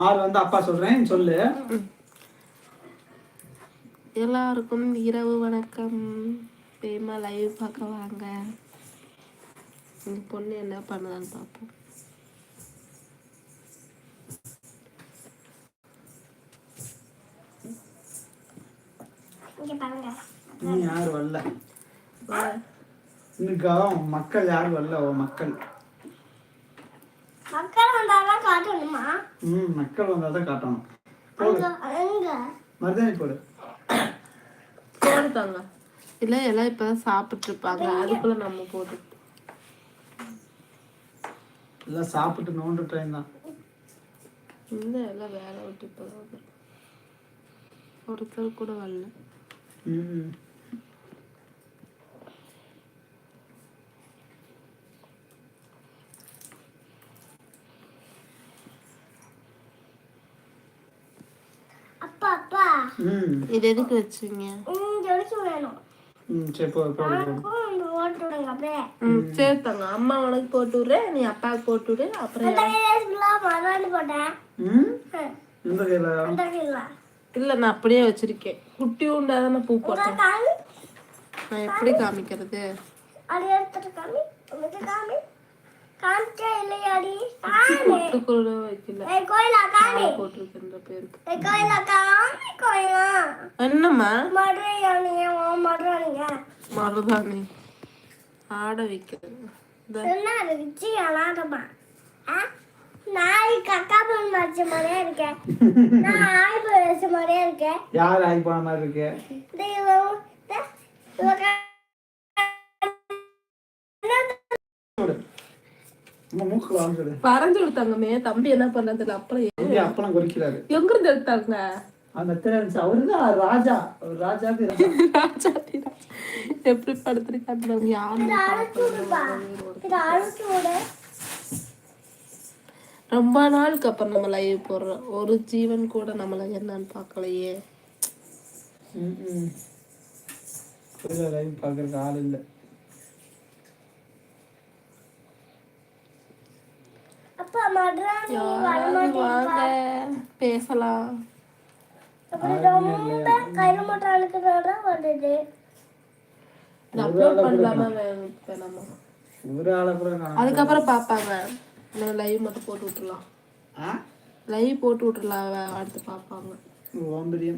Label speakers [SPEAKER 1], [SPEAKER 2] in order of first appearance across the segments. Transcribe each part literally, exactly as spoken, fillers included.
[SPEAKER 1] ஆறு வந்து அப்பா சொல்றேன் சொல்லு.
[SPEAKER 2] எல்லாருக்கும் இரவு வணக்கம். பேமா லைவ் பார்க்க வாங்க. உங்க பொண்ணு என்ன பண்ணுதான்னு பார்ப்போம்.
[SPEAKER 1] இன்னும் யாரும் வரல. இன்னைக்கா மக்கள் யாரும் வரல. ஓ மக்கள்
[SPEAKER 3] மக்கள் வந்தாதான் காட்டணுமா?
[SPEAKER 1] ம் மக்கள் வந்தாதான் காட்டணும். மருதாணி போடு.
[SPEAKER 2] போடுதாங்க. இல்லை எல்லாம் இப்பதான் சாப்பிட்டு இருப்பாங்க. அதுக்குள்ள நம்ம போட்டு
[SPEAKER 1] எல்லாம் சாப்பிட்டு நோண்டு ட்ரெயின் தான்.
[SPEAKER 2] இந்த எல்லாம் வேலை விட்டு இப்போதான் ஒருத்தர் கூட வரல.
[SPEAKER 1] ம்
[SPEAKER 3] அப்பா அப்பா
[SPEAKER 1] ம்
[SPEAKER 2] இது எதுக்கு வச்சுங்க?
[SPEAKER 3] இங்க வச்சு வேணும்.
[SPEAKER 1] ம் சரி போடு போடு போடு.
[SPEAKER 3] இந்த ஓட்டு விடுங்க அப்படியே.
[SPEAKER 2] ம் சரி தாங்க. அம்மா உனக்கு போட்டு விடுறேன், நீ அப்பாவுக்கு போட்டு விடு. அப்புறம்
[SPEAKER 3] மறுபடி போட்டேன்.
[SPEAKER 1] ம் இந்த கையில
[SPEAKER 3] அந்த கையில
[SPEAKER 2] இல்லை நான் அப்படியே வச்சிருக்கேன். குட்டி உண்டாதானே பூ போட்டேன். நான் எப்படி காமிக்கிறது?
[SPEAKER 3] அது எடுத்துட்டு காமி. உனக்கு காமி. காமிச்சே இல்லையாடி?
[SPEAKER 2] குட்டு கூட வைக்கல.
[SPEAKER 3] ஏய் கோயிலா காமி.
[SPEAKER 2] போட்டிருக்கேன் இந்த பேருக்கு.
[SPEAKER 3] ஏய் கோயிலா காமி கோயிலா.
[SPEAKER 2] என்னம்மா?
[SPEAKER 3] மதுரையானியா ஓ மதுரையானியா.
[SPEAKER 2] மருதாணி ஆட வைக்கிறது.
[SPEAKER 3] என்ன ருச்சி அழகமா. ஆ நாய் கக்கா பண்ண மாதிரி மாதிரியே இருக்கேன். நான் ஆய் பேச மாதிரியே இருக்கேன்.
[SPEAKER 1] யார் ஆய் போன மாதிரி இருக்கு?
[SPEAKER 3] தெய்வம் இவங்க
[SPEAKER 1] நம்ம மூக்குல வாங்குது.
[SPEAKER 2] பறஞ்சு கொடுத்தாங்கமே. தம்பி என்ன பண்றது? அப்புறம்
[SPEAKER 1] தம்பி அப்பளம் குறிக்கிறாரு.
[SPEAKER 2] எங்க இருந்து எடுத்தாங்க?
[SPEAKER 1] அந்த தெரிஞ்சு அவருதான் ராஜா. ராஜா
[SPEAKER 2] ராஜா எப்படி படுத்துருக்காங்க யாரு? ரொம்ப நாளுக்கு அப்புறம் நம்ம லைவ் போடுறோம். ஒரு ஜீவன் கூட நம்மள என்னன்னு பார்க்கலையே.
[SPEAKER 1] ம் லைவ் பார்க்கறதுக்கு ஆள் இல்லை.
[SPEAKER 3] அப்பா மதுராணி
[SPEAKER 2] வாங்க பேசலாம்.
[SPEAKER 3] ரொம்ப கையில மட்டும் அழுக்குறதா வருது.
[SPEAKER 2] அப்லோட் பண்ணலாமா வேணாமா?
[SPEAKER 1] ஒரு ஆளை கூட காணோம்.
[SPEAKER 2] அதுக்கப்புறம் பார்ப்பாங்க. நம்ம லைவ் மட்டும் போட்டு விட்டுறலாம்.
[SPEAKER 1] ஆ
[SPEAKER 2] லைவ் போட்டு விட்டுறலாம். அடுத்து பார்ப்பாங்க.
[SPEAKER 1] ஓம்பரியம்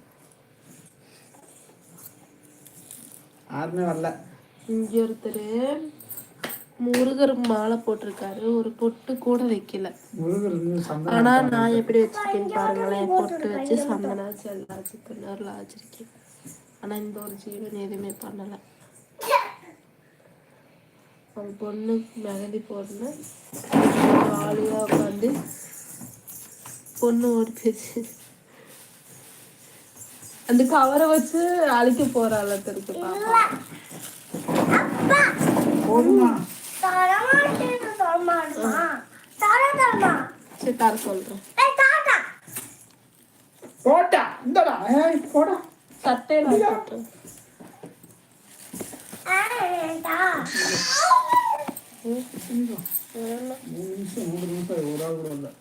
[SPEAKER 1] யாருமே வரல.
[SPEAKER 2] இங்க ஒருத்தர் முருகர் மாலை போட்டிருக்காரு. ஒரு பொட்டு கூட வைக்கல. ஆனா நான் எப்படி வச்சிருக்கேன்னு பாருங்களேன். பொட்டு வச்சு சந்தனா வச்சு எல்லாம் வச்சு பின்னர்லாம் வச்சிருக்கேன். ஆனா இந்த ஒரு ஜீவன் எதுவுமே பண்ணல. அவங்க பொண்ணு மெகந்தி போடணும். ஜாலியா உட்காந்து பொண்ணு ஓடி போச்சு. அந்த கவரை வச்சு அழிக்க போறாள் இருக்கு பாப்பா. சரி தர சொல்றேன்.
[SPEAKER 1] போட்டா இந்தடா ஏய் போடா
[SPEAKER 2] சட்டை நான் போட்டேன்.
[SPEAKER 3] ஆ
[SPEAKER 1] மூணு நிமிஷம் மூணு நிமிஷம் ஒரு ஆள் கூட இல்லை.